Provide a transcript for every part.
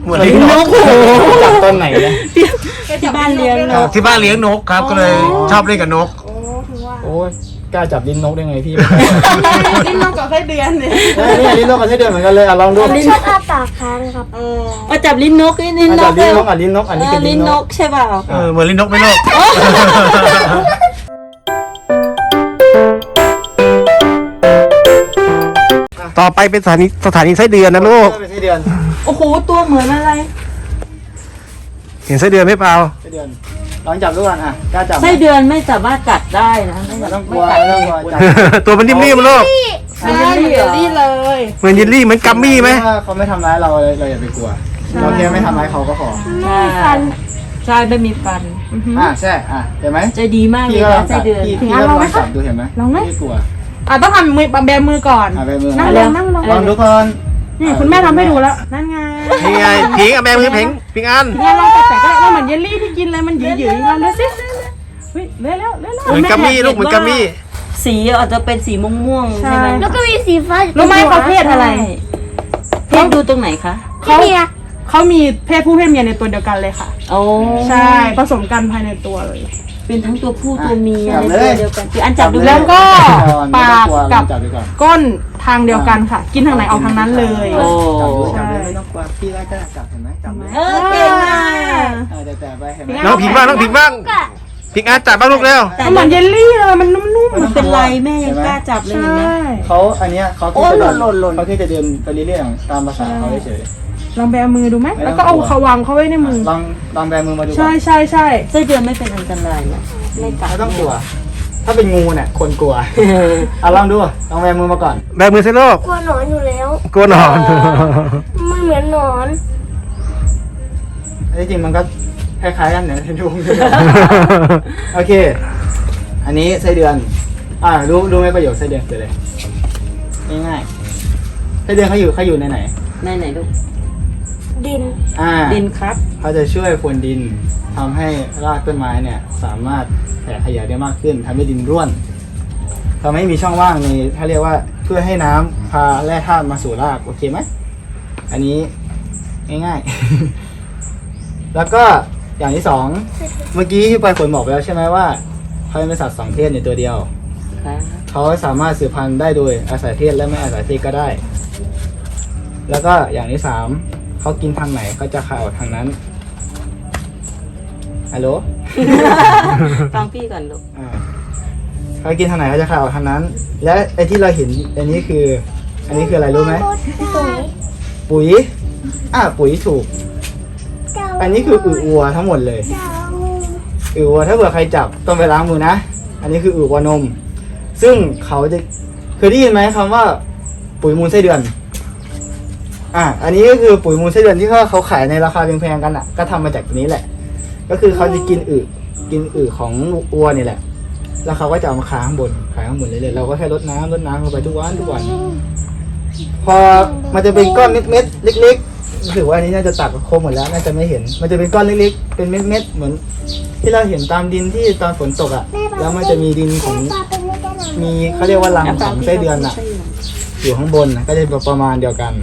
เหมือนลิ้นนกจับต้นไหนเนี่ยที่บ้านเลี้ยงนกที่บ้านเลี้ยงนกครับก็เลยชอบเล่นกับนกโอ้ยกล้าจับลิ้นนกได้ไงพี่ลิ้นนกกับไส้เดือนเนี่ยนี่ลิ้นนกกับไส้เดือนเหมือนกันเลยลองดูชอบอ้าปากค้างครับจับลิ้นนกลิ้นนกลิ้นนกลิ้นนกอันนี้คือลิ้นนกใช่เปล่าเหมือนลิ้นนกไหมลูกต่อไปเป็นสถานีไส้เดือนนะลูกไส้เดือนโอ้โหตัวเหมือนอะไรเห็นไส้เดือนไหมเปล่าไส้เดือนลองจับดูก่อนกล้าจับไส้เดือนไม่สามารถกัดได้นะไม่ต้องกลัวตัวมันนิ่มๆลูกเหมือนเยลลี่เลยเหมือนเยลลี่เหมือนกัมมี่ไหมเขาไม่ทำร้ายเราอย่าไปกลัวเราแค่ไม่ทำร้ายเขาก็พอไม่มีฟันใช่ไม่มีฟันใช่เห็นไหมใจดีมากเลยนะไส้เดือนพี่ก็ลองจับดูเห็นไหมลองไหมไม่กลัวต้องทำมือแบมือก่อนนั่งลองดูก่อนนี่คุณแม่ทำให้ดูแล้วนั่นไงนี่ไงพิงแบมือพิงอันเนี่ยลองแต่ก็เหมือนเยลลี่ที่กินเลยมันหยืดๆลองดูสิเฮ้ยเร็วเหมือนกัมมี่ลูกเหมือนกัมมี่สีอาจจะเป็นสีม่วงใช่ไหมแล้วก็มีสีฟ้ารู้ไหมเขาเพศอะไรเพศดูตรงไหนคะเขามีเพศผู้เพศเมียในตัวเดียวกันเลยค่ะโอ้ใช่ผสมกันภายในตัวเลยเป็นทั้งตัวผู้ตัวเมียในตัวเดียวกันคืออันจับดูแล้วก็ปากกับก้นทางเดียวกันค่ะกินทางไหนเอาทางนั้นเลยจับเลยไม่ต้องกลัวพี่ไล่ก็จับเห็นไหมจับเลยเก่งมากแต่ไปเห็นไหมน้องพิงบ้างพิงอันจับบ้างลูกเร็วเหมือนเยลลี่เลยมันนุ่มๆมันเป็นไรแม่ยังกล้าจับเลยนะเขาอันเนี้ยเขาแค่จะเดินไปเรื่อยๆตามภาษาเขาเฉยลองแบมือดูไหมแล้วก็เอาเขาวางเขาไว้ในมือลองแบมือมาดูใช่ไส้เดือนไม่เป็นอันตรายนะไม่กัดไม่ต้องกลัวถ้าเป็นงูเนี่ยคนกลัวลองดูลองแบมือมาก่อนแบมือสิลูกกลัวหนอนอยู่แล้วกลัวหนอนมันเหมือนหนอนจริงมันก็คล้ายๆกันเนี่ยดูโอเคอันนี้ไส้เดือนรู้ไหมประโยชน์ไส้เดือนคืออะไรง่ายๆไส้เดือนเขาอยู่ในไหนลูกดินดินครับเขาจะช่วยพรวนดินทำให้รากต้นไม้เนี่ยสามารถแผ่ขยายได้มากขึ้นทำให้ดินร่วนทำให้มีช่องว่างในถ้าเรียกว่าเพื่อให้น้ำพาแร่ธาตุมาสู่รากโอเคไหมอันนี้ง่ายๆแล้วก็อย่างที่สองเมื่อกี้ที่ปลายฝนบอกไปแล้วใช่ไหมว่าเขาเป็นสัตว์สองเพศในตัวเดียวเขาสามารถสืบพันธุ์ได้โดยอาศัยเพศและไม่อาศัยเพศก็ได้แล้วก็อย่างที่สามเขากินทางไหนเขาจะคายออกทางนั้นฮัลโหลฟังพี่ก่อนลูกเขากินทางไหนเขาจะคายออกทางนั้นและไอ้ที่เราเห็นอันนี้คืออะไรรู้ไหมปุ๋ยปุ๋ยถูกอันนี้คืออึวัวทั้งหมดเลยอึวัวถ้าเผื่อใครจับต้องไปล้างมือนะอันนี้คืออึวัวนมซึ่งเขาจะเคยได้ยินไหมคำว่าปุ๋ยมูลไส้เดือนอันนี้ก็คือปุ๋ยมูลไส้เดือนที่เขาขายในราคาแพงๆกันก็ทำมาจากตัวนี้แหละก็คือเขาจะกินอึของวัวนี่แหละแล้วเขาก็จะเอามาขายข้างบนเรื่อยๆเราก็แค่รดน้ำเข้าไปทุกวันพอมันจะเป็นก้อนเม็ดๆเล็กๆถือว่าอันนี้น่าจะตัดโคมหมดแล้วน่าจะไม่เห็นมันจะเป็นก้อนเล็กๆเป็นเม็ดๆเหมือนที่เราเห็นตามดินที่ตอนฝนตกแล้วมันจะมีดินของมีเขาเรียกว่ารังของไส้เดือนอยู่ข้างบนก็จะประมาณเดียวกัน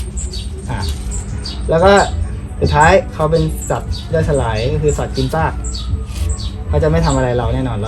แล้วก็สุดท้ายเขาเป็นสัตว์ย่อยสลายก็คือสัตว์กินซากเขาจะไม่ทำอะไรเราแน่นอน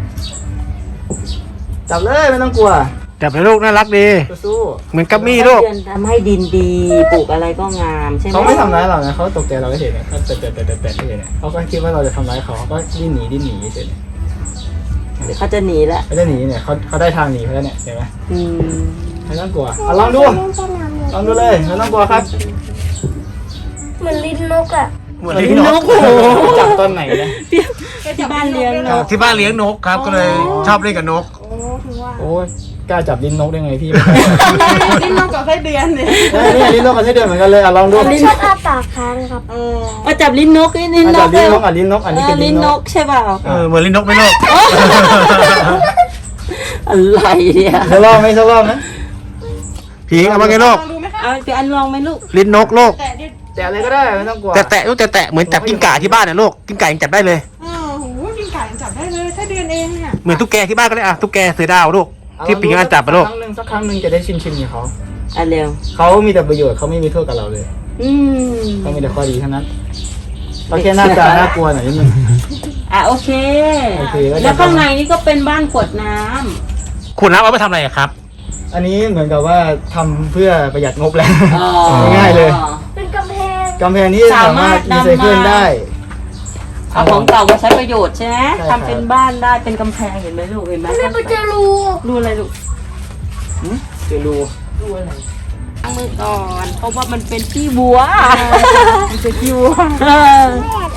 100%จับเลยไม่ต้องกลัวจับเลยลูกน่ารักดีสู้เหมือนกัมมี่ลูกทำให้ดินดีปลูกอะไรก็งามใช่ไหมเขาไม่ทำร้ายเรานะเขาตกใจเราเฉยๆเขาแตะเฉยๆเขาก็คิดว่าเราจะทำร้ายเขาก็ดิ้นหนีเฉยเดี๋ยวเขาจะหนีแล้วเขาจะหนีเนี่ยเขาได้ทางหนีแล้วเนี่ยเห็นไหมไม่ต้องกลัวลองดูเลยไม่ต้องกลัวครับเหมือนลิ้นนกเหมือนลิ้นนกจับต้นไหนเนี่ยที่บ้านเลี้ยงนกที่บ้านเลี้ยงนกครับก็เลยชอบเล่นกับนกโอ้ยกล้าจับลิ้นนกได้ไงพี่ลิ้นนกกับไส้เดือนเนี่ยลิ้นนกกับไส้เดือนเหมือนกันเลยลองดูชอบอ้าปากค้างครับจับลิ้นนกลิ้นนกลิ้นนกอันนี้คือลิ้นนกใช่เปล่าเหมือนลิ้นนกไหมลูกอะไรเนี่ยจะลองนะพิงเอามาไงลูกเอาไปอันลองไหมลูกลิ้นนกลูกแตะเลยก็ได้ไม่ต้องกลัวแตะลูกแตะเหมือนจับกิ้งก่าที่บ้านนะลูกกิ้งก่ายังจับได้เลยกิ้งก่ายังจับได้เลยแค่เดือนเองเนี่ยเหมือนตุ๊กแกที่บ้านก็เลยตุ๊กแกเสือดาวลูกที่ปิงอันจับไปลูกสักครั้งหนึ่งจะได้ชิมกับเขาเร็วเขามีแต่ประโยชน์เขาไม่มีโทษกับเราเลยก็มีแต่ข้อดีเท่านั้นก็แค่หน้าตาน่ากลัวหน่อยนิดนึงโอเคโอเคแล้วแล้วข้างในนี่ก็เป็นบ้านขวดน้ำขวดน้ำเอาไปทำอะไรอะครับอันนี้เหมือนกับว่าทำเพื่อประหยัดงบแล้วอ๋อง่ายเลยเป็นกำแพงกำแพงนี้สามารถรีไซเคิลได้เอาของเก่ามาใช้ประโยชน์ใช่ไหมใช่ครับทำเป็นบ้านได้เป็นกำแพงเห็นไหมลูกเห็นไหมไม่ไปเจอรูดูอะไรลูกเจอรูดูอะไรล้างมือก่อนเพราะว่ามันเป็นขี้วัวมันจะคิวเออ